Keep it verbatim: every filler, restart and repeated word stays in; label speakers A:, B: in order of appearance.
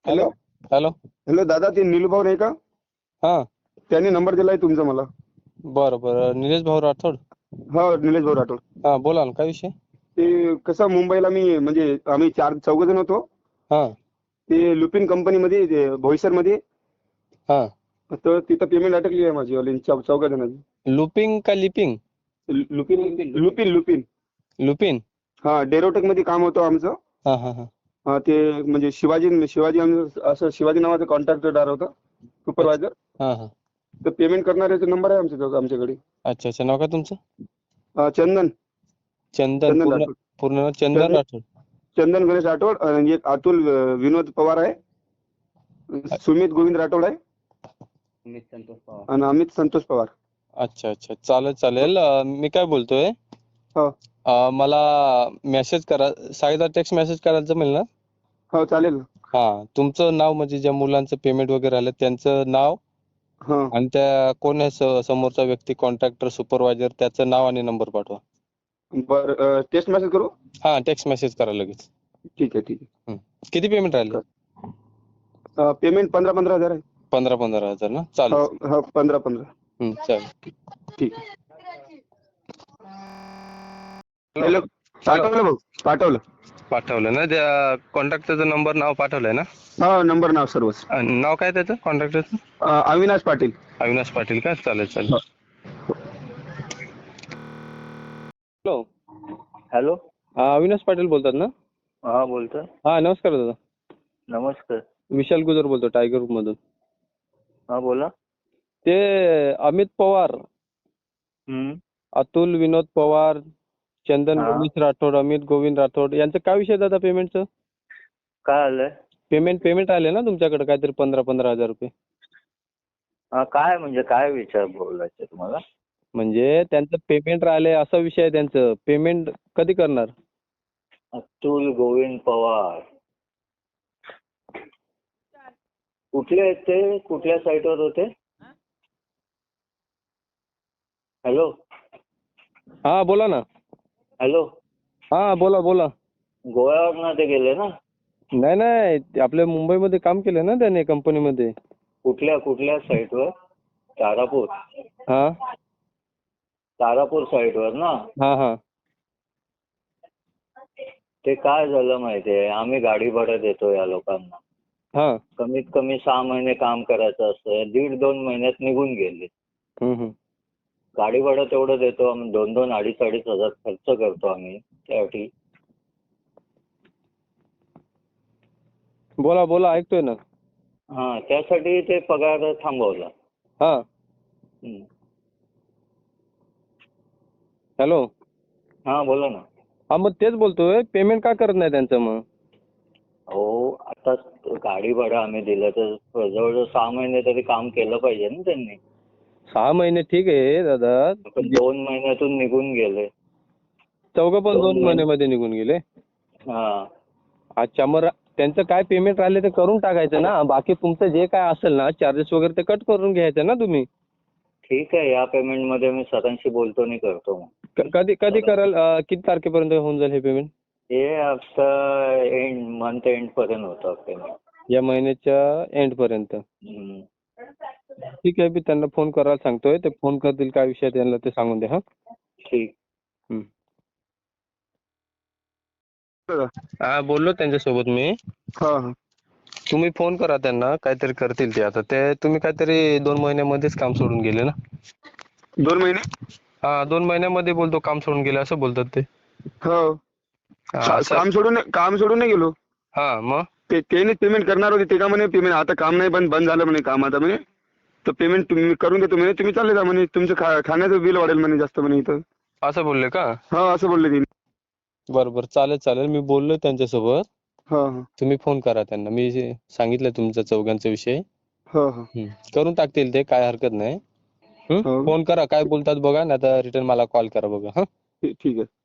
A: Hello
B: hello
A: hello दादा, ते निलूभाऊ नाही का?
B: हा
A: त्यांनी नंबर दिलाय तुमचा मला.
B: बरं बरं निलेश भाऊ राठोड.
A: हो, निलेश भाऊ राठोड.
B: हा बोला ना, काय विषय?
A: ते कसं मुंबईला मी म्हणजे आम्ही चार चौघ जण होतो.
B: हा
A: ते लुपिन कंपनीमध्ये ते बोईसरमध्ये.
B: हा
A: तर तिथं पेमेंट अटकली आहे माझी वाली चौ चौघा जणांची.
B: लुपिंग का leaping?
A: Lupin Lupin Lupin
B: Lupin.
A: हा, डेरोटेक मध्ये काम होतं आमचं.
B: हा हा हा
A: हा, ते म्हणजे शिवाजी शिवाजी आमचं असं शिवाजी नावाचं कॉन्ट्रॅक्टर होता, सुपरवायझर.
B: हा हा
A: तर पेमेंट करणाऱ्याचा नंबर आहे आमच्या आमच्याकडे.
B: अच्छा अच्छा, नाव काय तुमचं?
A: हा, चंदन
B: चंदन.
A: चंदन
B: पूर्ण
A: राठोड.
B: पूर्ण नाव चंदन
A: चंदन
B: राठोड.
A: चंदन गणेश राठोड. आणि एक अतुल अं, विनोद पवार आहे. सुमित गोविंद राठोड आहे. आणि अमित संतोष पवार.
B: अच्छा अच्छा, चालेल चालेल. अं, मी काय बोलतोय,
A: हो
B: अं, मला मेसेज करा, साईदा टेक्स्ट मेसेज करायला जमेल ना?
A: हो, चालेल ना.
B: हा, तुमचं नाव म्हणजे ज्या मुलांचं पेमेंट वगैरे आलं त्यांचं नाव,
A: हा
B: आणि त्या कोण आहे स- समोरचा व्यक्ती, कॉन्ट्रॅक्टर, सुपरवायझर, त्याचं नाव आणि नंबर पाठवा.
A: बरं, टेस्ट मेसेज करू.
B: हा, टेक्स्ट मेसेज करा लगेच.
A: ठीक आहे ठीक आहे.
B: हं. किती पेमेंट राहिले?
A: अं, पेमेंट पंधरा पंधरा हजार आहे.
B: पंधरा पंधरा हजार ना? चालेल.
A: हो हो, पंधरा पंधरा.
B: हं, चालेल.
A: ठीक आहे.
B: हॅलो
A: हॅलो,
B: हॅलो
A: पाठवलं भाऊ, पाठवलं.
B: पाठवलं ना? त्या कॉन्ट्रॅक्टरचा नंबर, नाव पाठवलंय ना?
A: हा, नंबर नाव सर्वच.
B: आणि नाव काय त्याचं कॉन्ट्रॅक्टरचं?
A: अं, अविनाश पाटील.
B: अविनाश पाटील का? चालेल चालेल.
A: हो.
B: हॅलो.
C: हॅलो.
B: हा, अविनाश पाटील बोलतात ना?
C: हा, बोलतोय.
B: हा, नमस्कार दादा.
C: नमस्कार.
B: विशाल गुजर बोलतो, टायगर ग्रुप मधून.
C: हा, बोला.
B: ते अमित पवार,
C: हम्म.
B: अतुल विनोद पवार, चंदन
C: हा.
B: गणेश राठोड, अमित गोविंद राठोड यांचं काय विषय दादा पेमेंटचं?
C: काय आलंय?
B: पेमेंट पेमेंट आले ना तुमच्याकडे काहीतरी पंधरा पंधरा हजार रुपये.
C: हा, काय म्हणजे काय विचार बोलायचं तुम्हाला?
B: म्हणजे त्यांचं पेमेंट राहिले असा विषय आहे. त्यांचं पेमेंट कधी करणार?
C: अतुल गोविंद पवार कुठले आहेत ते? कुठल्या साईटवर होते? हॅलो.
B: हा बोला ना.
C: हॅलो.
B: हा बोला बोला.
C: गोव्यावरनं ते गेले ना?
B: नाही नाही, ते आपल्या मुंबईमध्ये काम केलं ना त्याने कंपनीमध्ये.
C: कुठल्या कुठल्या साईटवर? तारापूर.
B: हा
C: तारापूर साईटवर ना?
B: हा हा
C: ते काय झालं माहितीये, आम्ही गाडी भाडं देतो या लोकांना.
B: हा
C: कमीत कमी सहा महिने काम करायचं असतं, दीड दोन महिन्यात निघून गेले.
B: हम्म, हम्म.
C: गाडी भाडं तेवढं देतो आम्ही, दोन दोन अडीच अडीच हजार खर्च करतो आम्ही त्यासाठी.
B: बोला बोला, ऐकतोय ना.
C: हा, त्यासाठी ते पगार थांबवला.
B: हा
C: हम्म.
B: हॅलो.
C: हा, बोला ना.
B: हा, मग तेच बोलतोय, पेमेंट का करत नाही त्यांचं मग?
C: हो, आता गाडी भाडं आम्ही दिलं तर जवळजवळ सहा महिने तरी काम केलं पाहिजे ना त्यांनी.
B: सहा महिने ठीक आहे दादा.
C: पण दोन महिन्यातून निघून गेले.
B: चौघं पण
C: दोन
B: दोन
C: महिने-
B: महिन्यामध्ये निघून गेले.
C: हा.
B: अच्छा, मग रा- त्यांचं काय पेमेंट राहिले ते करून टाकायचं ना. बाकी तुमचं जे काय असेल ना चार्जेस वगैरे ते कट करून घ्यायचं ना तुम्ही.
C: ठीक आहे, या पेमेंट मध्ये मी सरांशी बोलतो आणि करतो मग.
B: क- कधी कधी कराल? अं, किती तारखेपर्यंत होऊन जाईल हे पेमेंट?
C: हे आता एंड मंथ एंड पर्यंत होतं पेमेंट.
B: या महिन्याच्या एंड पर्यंत.
C: हम्म.
B: ठीक आहे, मी त्यांना फोन करायला सांगतोय. ते फोन करतील, काय विषय आहे त्यांना ते सांगून द्या. हा
C: ठीक.
B: हम्म. हा, बोललो त्यांच्यासोबत मी.
A: हा हा.
B: तुम्ही फोन करा त्यांना, काहीतरी करतील ते. आता ते तुम्ही काहीतरी दोन महिन्यामध्येच काम सोडून गेले ना?
A: दोन महिने.
B: हा, दोन महिन्यामध्ये बोलतो काम सोडून गेले असं बोलतात ते.
A: हो.
B: हा,
A: का-
B: असं.
A: काम सोडून काम सोडून नाही गेलो.
B: हा, मग
A: ते त्याने पेमेंट करणार होते, ते का म्हणे पेमेंट आता काम नाही, बंद बंद झालं म्हणे काम आता म्हणे. तर पेमेंट तुम्ही करून देतो म्हणे, तुम्ही चालले जा म्हणे, तुमचं खा खाण्याचं बिल वाढेल म्हणे जास्त म्हणे इथं.
B: असं बोलले का?
A: हा, असं बोलले तिने.
B: बरं बरं, चालेल चालेल. मी बोललो त्यांच्यासोबत.
A: हा हा
B: तुम्ही फोन करा त्यांना. मी जे सांगितलं तुमच्या चौघांचा विषय.
A: हा हा.
B: हम्म. करून टाकतील ते, काय हरकत नाही. हम्म?
A: हो.
B: फोन करा, काय बोलतात बघा, नाही तर रिटर्न मला कॉल करा बघा. हा
A: ठीक ठीक आहे.